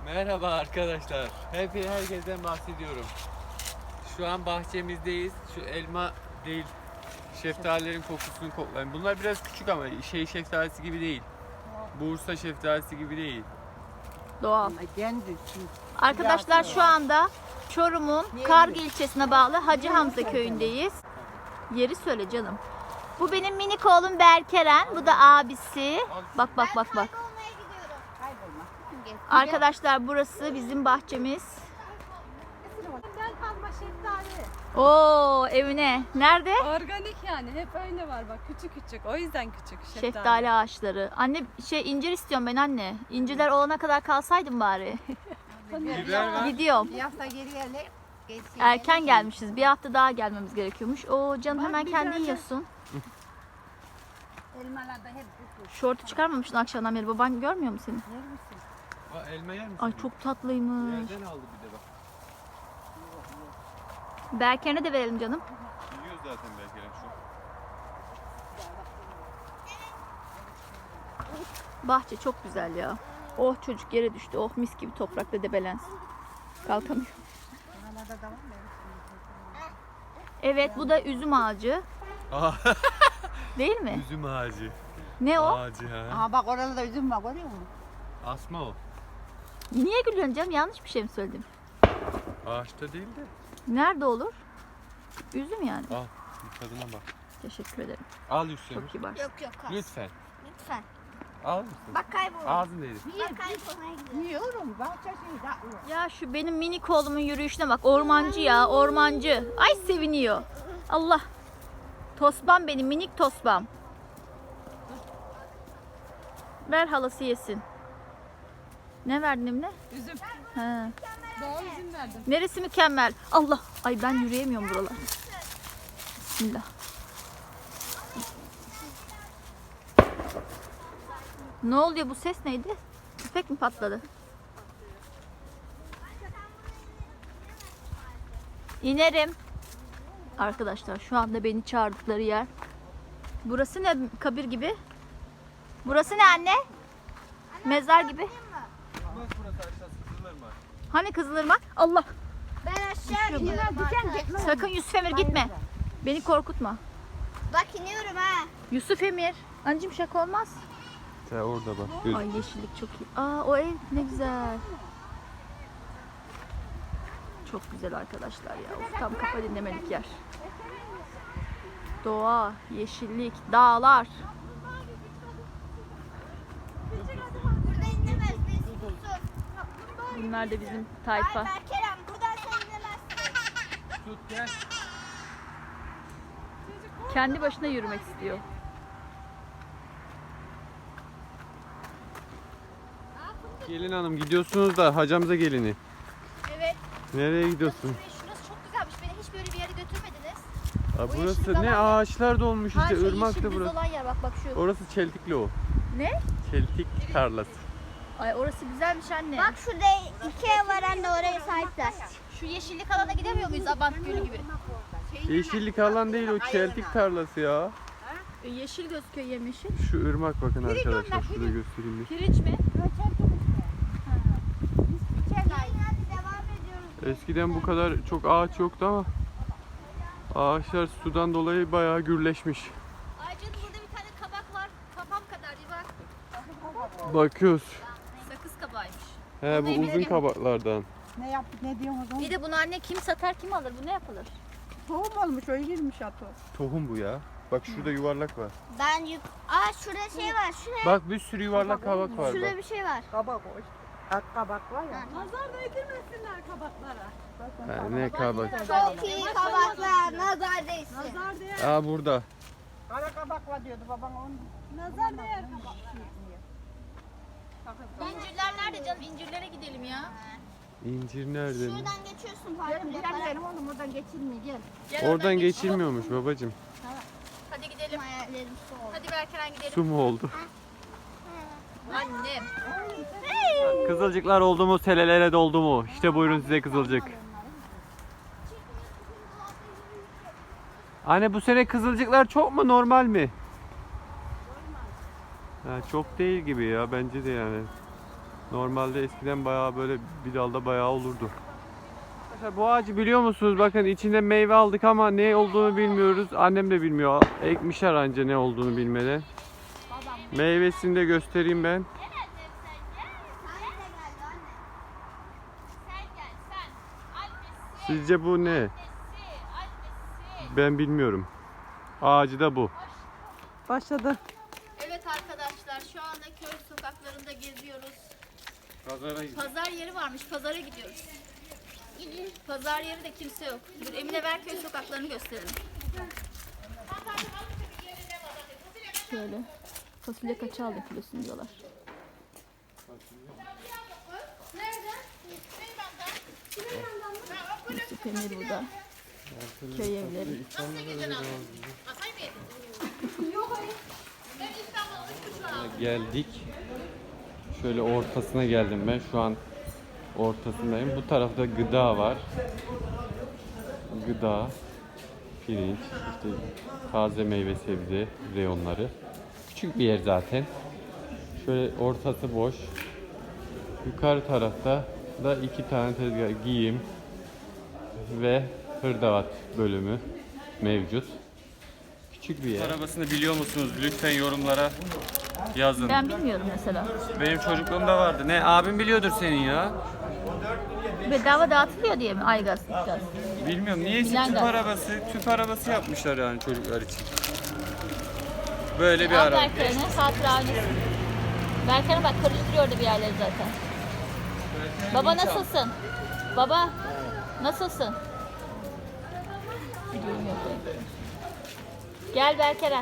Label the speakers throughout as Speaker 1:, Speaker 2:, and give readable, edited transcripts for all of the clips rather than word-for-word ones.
Speaker 1: Merhaba arkadaşlar. Herkesten bahsediyorum. Şu an bahçemizdeyiz. Şu elma değil, şeftalilerin kokusunu koklayın. Bunlar biraz küçük ama şeftalisi gibi değil. Bursa şeftalisi gibi değil.
Speaker 2: Doğal. Arkadaşlar şu anda Çorum'un Kargı ilçesine bağlı Hacı Hamza köyündeyiz. Yeri söyle canım. Bu benim minik oğlum Berkeren. Bu da abisi. Bak bak bak bak. Arkadaşlar burası bizim bahçemiz.
Speaker 3: Alma şeftali.
Speaker 2: Oo evine. Nerede?
Speaker 3: Organik yani hep öyle var bak küçük küçük o yüzden küçük
Speaker 2: Şeftali ağaçları. Anne incir istiyorum ben anne. İncirler olana kadar kalsaydım bari.
Speaker 1: Biber var.
Speaker 2: Gidiyorum.
Speaker 4: Bir hafta geri geldik.
Speaker 2: Erken gelmişiz. Bir hafta daha gelmemiz gerekiyormuş. Oo canım hemen kendi yiyorsun.
Speaker 4: Elmalarda hep bu.
Speaker 2: Şortu çıkarmamışsın akşamdan beri. Baban görmüyor mu seni?
Speaker 4: Yer misin?
Speaker 1: Aa, elma yer misin?
Speaker 2: Ay çok tatlıymış.
Speaker 1: Yerden aldı bir de bak.
Speaker 2: Berker'e de verelim canım.
Speaker 1: Yiyoruz zaten belki şu.
Speaker 2: Bahçe çok güzel ya. Oh çocuk yere düştü. Oh mis gibi toprakta debelensin. Kalkamıyor.
Speaker 4: Oralarda da var mı?
Speaker 2: Evet bu da üzüm ağacı.
Speaker 1: Aa,
Speaker 2: Değil mi?
Speaker 1: üzüm ağacı.
Speaker 2: Ne o?
Speaker 1: Ağacı ha.
Speaker 4: Aha bak orada da üzüm var görüyor musun?
Speaker 1: Asma o.
Speaker 2: Niye gülüyorsun canım? Yanlış bir şey mi söyledim?
Speaker 1: Ağaçta değil de.
Speaker 2: Nerede olur? Üzüm yani.
Speaker 1: Al bir tadına bak.
Speaker 2: Teşekkür ederim.
Speaker 1: Al Yusuf.
Speaker 2: Çok kibar.
Speaker 4: Yok yok.
Speaker 1: Lütfen.
Speaker 4: Lütfen.
Speaker 1: Al mısın?
Speaker 4: Bak kaybol.
Speaker 1: Ağzın değil.
Speaker 4: Bak kaybolmaya gidiyor. Yiyorum. Bahçe şeyi da.
Speaker 2: Ya şu benim minik oğlumun yürüyüşüne bak. Ormancı ya, ormancı. Ay seviniyor. Allah. Tosbam benim, minik tosbam. Ver halası yesin. Ne verdin Emine?
Speaker 3: Üzüm.
Speaker 2: He.
Speaker 3: Doğal üzüm verdim.
Speaker 2: Neresi mükemmel? Allah. Ay ben yürüyemiyorum buralar. Bismillah. Ne oluyor bu ses neydi? Tüfek mi patladı? İnerim. Arkadaşlar şu anda beni çağırdıkları yer. Burası ne kabir gibi? Burası ne anne? Mezar gibi.
Speaker 1: Bak burası aşağısı Kızılırmak.
Speaker 2: Hani Kızılırmak? Allah.
Speaker 4: Ben aşağı iniyorum.
Speaker 2: Sakın Yusuf Emir gitme. Beni korkutma.
Speaker 4: Bak iniyorum ha.
Speaker 2: Yusuf Emir. Anneciğim şaka olmaz.
Speaker 1: Sen orada bak.
Speaker 2: Ay yeşillik çok iyi. Aa o ev ne güzel. Çok güzel arkadaşlar ya. Of, tam kafa dinlemelik yer. Doğa, yeşillik, dağlar.
Speaker 4: Burada inemez. Biz tutsun.
Speaker 2: Bunlar da bizim tayfa.
Speaker 4: Kerem buradan sen inemezsin.
Speaker 1: Tut gel.
Speaker 2: Kendi başına yürümek istiyor.
Speaker 1: Gelin hanım gidiyorsunuz da hacamıza gelini.
Speaker 2: Evet.
Speaker 1: Nereye gidiyorsun?
Speaker 2: Şurası çok güzelmiş. Beni hiç böyle bir yere götürmediniz.
Speaker 1: Aa,
Speaker 2: Bu
Speaker 1: burası
Speaker 2: yeşillik
Speaker 1: ne
Speaker 2: alan
Speaker 1: ağaçlar dolmuş işte
Speaker 2: Yeşil
Speaker 1: ırmaktı
Speaker 2: düz
Speaker 1: burası.
Speaker 2: olan yer bak şu.
Speaker 1: Orası çeltikli o.
Speaker 2: Ne?
Speaker 1: Çeltik tarlası.
Speaker 2: Ay orası güzelmiş anne.
Speaker 4: Bak şurada iki ev var anne oraya sahipler.
Speaker 2: Şu yeşillik alana gidemiyor muyuz Abant Gölü gibi?
Speaker 1: Yeşillik alan değil o çeltik tarlası ya.
Speaker 2: Yeşil gözüküyor yemyeşil.
Speaker 1: Şu ırmak bakın arkadaşlar şurada göstereyim bir.
Speaker 2: Pirinç mi?
Speaker 4: Hadi devam ediyoruz.
Speaker 1: Eskiden bu kadar çok ağaç yoktu ama ağaçlar sudan dolayı bayağı gürleşmiş.
Speaker 2: Ay canım burada bir tane kabak var. Kafam kadar bir bak.
Speaker 1: Bakıyoruz.
Speaker 2: Sakız kabağıymış.
Speaker 1: He bu uzun kabaklardan.
Speaker 4: Ne yaptık ne diyorsunuz?
Speaker 2: Bir de bunu anne kim satar kim alır? Bu ne yapılır?
Speaker 4: Tohum olmuş o girmiş atı.
Speaker 1: Tohum bu ya. Bak şurada yuvarlak var.
Speaker 4: Ben Aa şurada şey var. Şuraya.
Speaker 1: Bak bir sürü yuvarlak kabak var
Speaker 4: Şurada
Speaker 1: bak.
Speaker 4: bir şey var.
Speaker 5: Kabak o. Kabak var ya.
Speaker 3: Nazar değdirmesinler kabaklara.
Speaker 1: Ha, ne kabak?
Speaker 4: Çok iyi kabaklar. Nazar değsin.
Speaker 3: Nazar değer.
Speaker 1: Aa burada.
Speaker 5: Kara kabak var diyordu babam onu.
Speaker 3: Nazar değer kabak.
Speaker 2: İncirler nerede canım? İncirlere gidelim ya.
Speaker 1: İncir nerede?
Speaker 4: Şuradan geçiyorsun
Speaker 5: Gelin bir
Speaker 4: farkında.
Speaker 5: gidelim oğlum oradan geçilmiyor gel.
Speaker 2: Gel
Speaker 1: Oradan
Speaker 2: geç.
Speaker 1: geçilmiyormuş babacım.
Speaker 2: Hadi gidelim.
Speaker 4: Hayallerim su oldu.
Speaker 2: Hadi Berkeren gidelim.
Speaker 1: Su mu oldu?
Speaker 2: Annem.
Speaker 1: Kızılcıklar oldu mu, selelere doldu mu? İşte buyurun size kızılcık. Anne bu sene kızılcıklar çok mu normal mi? Ha, çok değil gibi ya bence de yani. Normalde eskiden bayağı böyle bir dalda bayağı olurdu. Arkadaşlar bu ağacı biliyor musunuz? Bakın içinde meyve aldık ama ne olduğunu bilmiyoruz. Annem de bilmiyor. Ekmişler anca ne olduğunu bilmeden. Meyvesini de göstereyim ben. Sizce bu ne? Ben bilmiyorum. Ağacı da bu.
Speaker 3: Başladı.
Speaker 2: Evet arkadaşlar şu anda köy sokaklarında geziyoruz.
Speaker 1: Pazara gidiyor.
Speaker 2: Pazar yeri varmış. Pazara gidiyoruz. Pazar yeri de kimse yok. Dur Emine ver köy sokaklarını gösterelim. Şöyle. Fasulye kaça aldın kilosunu diyorlar. Yusuf Emir burada. Köy evleri.
Speaker 1: Geldik. Şöyle ortasına geldim ben. Şu an ortasındayım. Bu tarafta gıda var. Gıda, pirinç, işte taze meyve sebze reyonları. Küçük bir yer zaten. Şöyle ortası boş. Yukarı tarafta da 2 tane tezgah, giyim ve hırdavat bölümü mevcut. Küçük bir yer. Arabasını biliyor musunuz? Lütfen yorumlara yazın.
Speaker 2: Ben bilmiyorum mesela.
Speaker 1: Benim çocukluğumda vardı. Ne abim biliyordur senin ya.
Speaker 2: Bedava dağıtılıyor diye mi? Aygaz. Gaz.
Speaker 1: Bilmiyorum. Niyeyse
Speaker 2: Bilen gaz.
Speaker 1: tüp arabası yapmışlar yani çocuklar için. Böyle bir
Speaker 2: Al
Speaker 1: araba.
Speaker 2: Berker'ini, hatıra ailesi. Berker'e bak karıştırıyor orada bir yerleri zaten. Baba nasılsın? Baba nasılsın? Videom yok benim. Gel Berker'e.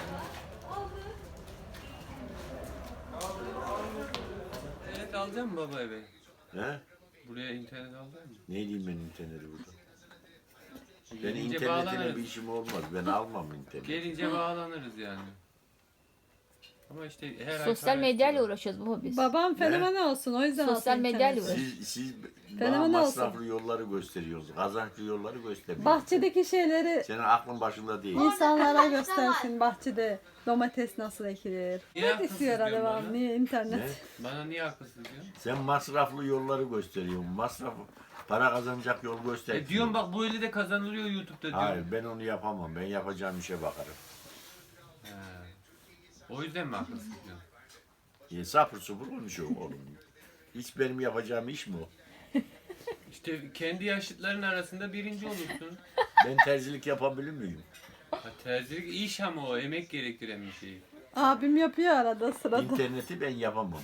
Speaker 1: İnternet alacak mısın baba eve?
Speaker 6: He?
Speaker 1: Buraya internet alacak mısın?
Speaker 6: Ne diyeyim ben interneti burada? Ben
Speaker 1: Gelince
Speaker 6: internetle
Speaker 1: bağlanırız.
Speaker 6: bir işim olmaz. Ben almam internet.
Speaker 1: Gelince bağlanırız yani. Ama işte her ay
Speaker 2: Sosyal
Speaker 1: para
Speaker 2: medyayla
Speaker 1: istiyor.
Speaker 2: uğraşıyoruz baba biz.
Speaker 3: Babam fenomen olsun o yüzden
Speaker 2: Sosyal
Speaker 3: alsın
Speaker 2: medyayla
Speaker 3: internet.
Speaker 2: uğraş.
Speaker 6: Siz bana
Speaker 3: Fenomen
Speaker 6: masraflı yolları gösteriyorsunuz. Kazançlı yolları göstermiyorsunuz.
Speaker 3: Bahçedeki şeyleri
Speaker 6: Senin aklın başında değil.
Speaker 3: insanlara göstersin bahçede domates nasıl ekilir.
Speaker 1: Niye
Speaker 3: Ne
Speaker 1: haklısın
Speaker 3: istiyor
Speaker 1: diyorsun
Speaker 3: devam
Speaker 1: bana?
Speaker 3: niye internet.
Speaker 6: Ne?
Speaker 1: Bana niye haklısın diyorsun?
Speaker 6: Sen masraflı yolları gösteriyorsun. Para kazanacak yol göster.
Speaker 1: Diyorum bak bu eli de kazanılıyor YouTube'da diyorum.
Speaker 6: Hayır ben onu yapamam. Ben yapacağım işe bakarım.
Speaker 1: He. O yüzden mi haklısın diyorsun?
Speaker 6: Sapır supur konuşuyor oğlum. Hiç benim yapacağım iş mi o?
Speaker 1: İşte kendi yaşıtların arasında birinci olursun.
Speaker 6: Ben terzilik yapabilir miyim?
Speaker 1: Ha, terzilik iş ama o emek gerektiren bir şey.
Speaker 3: Abim yapıyor arada sırada.
Speaker 6: İnterneti ben yapamam.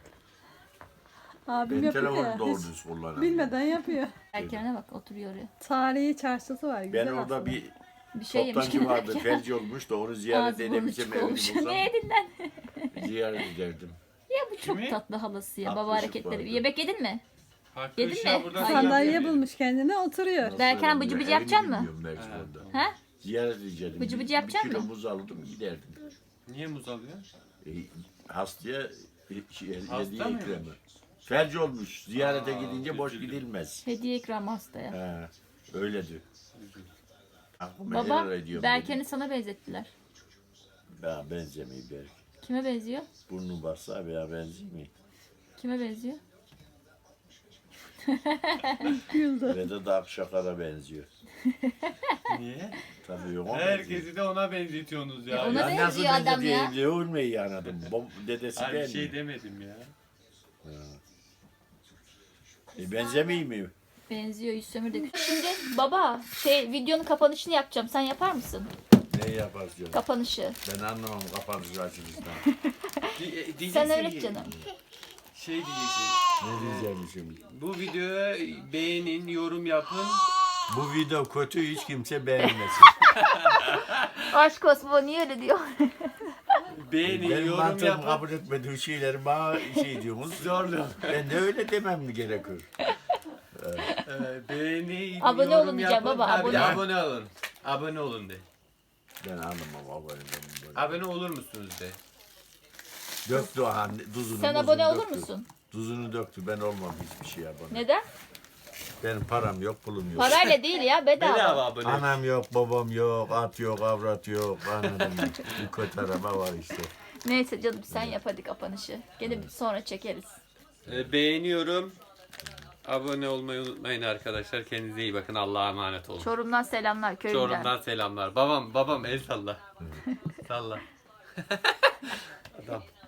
Speaker 3: Abim
Speaker 6: Ben
Speaker 3: yapıyor
Speaker 6: telefonu
Speaker 3: ya.
Speaker 6: doğru
Speaker 3: Hiç
Speaker 6: düz kullanamam.
Speaker 3: bilmeden yapıyor.
Speaker 2: Berker'e bak oturuyor oraya.
Speaker 3: Tarihi çarşısı var güzel
Speaker 6: Ben orada
Speaker 3: aslında.
Speaker 6: bir
Speaker 2: Bir şey yemiş
Speaker 6: toptancı
Speaker 2: gibi
Speaker 6: vardı,
Speaker 2: Berker.
Speaker 6: felci olmuş da onu ziyaret
Speaker 2: Ağzı burnu
Speaker 6: edebilsem
Speaker 2: çık
Speaker 6: evini
Speaker 2: olmuş.
Speaker 6: bulsam
Speaker 2: Ne yedin lan?
Speaker 6: ziyaret ederdim.
Speaker 2: Ya bu çok
Speaker 1: Kimi?
Speaker 2: tatlı halası ya.
Speaker 6: Tatlı
Speaker 2: Baba
Speaker 6: ışık
Speaker 2: hareketleri.
Speaker 6: vardı.
Speaker 2: Yemek yedin mi?
Speaker 1: Farklı
Speaker 2: Yedin
Speaker 1: ışığa
Speaker 2: mi?
Speaker 1: buradan
Speaker 3: Sandalye
Speaker 1: sinyal
Speaker 3: bulmuş kendine oturuyor.
Speaker 2: Berken bıcı bıcı yapacak mı?
Speaker 6: Mersin'de.
Speaker 2: Ha?
Speaker 6: Ziyaret edeceğim.
Speaker 2: Bıcı bıcı yapacak
Speaker 6: Bir kilo
Speaker 2: mı?
Speaker 6: muz alırdım giderdim.
Speaker 1: Niye muz alıyor?
Speaker 6: Hastaya
Speaker 1: Hasta
Speaker 6: hediye
Speaker 1: mıymış?
Speaker 6: ikramı. Felci olmuş. Ziyarete gidince boş
Speaker 1: üzüldüm.
Speaker 6: gidilmez.
Speaker 2: Hediye ikramı hastaya.
Speaker 6: He, öyledir. Aklıma
Speaker 2: Baba
Speaker 6: neler ediyorum
Speaker 2: Berken'i sana benzettiler.
Speaker 6: benim. Ya benzemeyi belki.
Speaker 2: Kime benziyor?
Speaker 6: Burnun varsa veya benzemeyi.
Speaker 2: Kime benziyor?
Speaker 6: Vedat Akşakar'a benziyor.
Speaker 1: Niye?
Speaker 6: Tabii yok.
Speaker 1: Herkesi de ona benzetiyorsunuz ya.
Speaker 2: Ona
Speaker 1: Ya
Speaker 2: benziyor adam ya.
Speaker 6: Ne olmayı anladım. Dedesi
Speaker 1: Hayır, bir
Speaker 6: ben
Speaker 1: şey
Speaker 6: mi?
Speaker 1: demedim ya.
Speaker 6: Benzemeyi mi?
Speaker 2: Benziyor Yüzsömür de. Şimdi baba videonun kapanışını yapacağım. Sen yapar mısın?
Speaker 6: Ne yaparsın?
Speaker 2: Kapanışı.
Speaker 6: Ben anlamam kapanışı açılıştan.
Speaker 2: Sen öğret canım.
Speaker 1: Şey diyeceksin.
Speaker 6: Ne diyeceğim şimdi?
Speaker 1: Bu videoya beğenin, yorum yapın.
Speaker 6: Bu video kötü hiç kimse beğenmesin.
Speaker 2: Aşk olsun bu niye öyle diyor?
Speaker 1: Beğenin,
Speaker 6: Benim
Speaker 1: yorum
Speaker 6: mantığım
Speaker 1: yapın.
Speaker 6: kabul etmediği şeyleri bana şey diyorsunuz.
Speaker 1: Zorlu.
Speaker 6: Ben de öyle demem mi gerekiyor?
Speaker 1: Beğeni,
Speaker 2: Abone
Speaker 1: yorum
Speaker 2: olun diyeceğim
Speaker 1: yapın.
Speaker 2: baba,
Speaker 1: Tabii,
Speaker 2: abone.
Speaker 1: abone olun. Abone olun de.
Speaker 6: Ben anlamam abone böyle.
Speaker 1: Abone olur musunuz de.
Speaker 6: Döktü han tuzunu.
Speaker 2: Sen
Speaker 6: muzunu
Speaker 2: abone olur
Speaker 6: döktü.
Speaker 2: musun?
Speaker 6: Tuzunu döktü. Ben olmam hiçbir şey abone.
Speaker 2: Neden?
Speaker 6: Benim param yok, pulum yok.
Speaker 2: Parayla değil ya bedava.
Speaker 1: Bedava abone.
Speaker 6: Anam yok, babam yok, at yok, avrat yok. Anladın mı? Bir kötü araba var işte.
Speaker 2: Neyse canım sen yap hadi kapanışı. Gene sonra çekeriz.
Speaker 1: Beğeniyorum. Abone olmayı unutmayın arkadaşlar. Kendinize iyi bakın. Allah'a emanet olun.
Speaker 2: Çorum'dan selamlar köyünden.
Speaker 1: Çorum'dan selamlar. Babam el salla. Salla. Adam.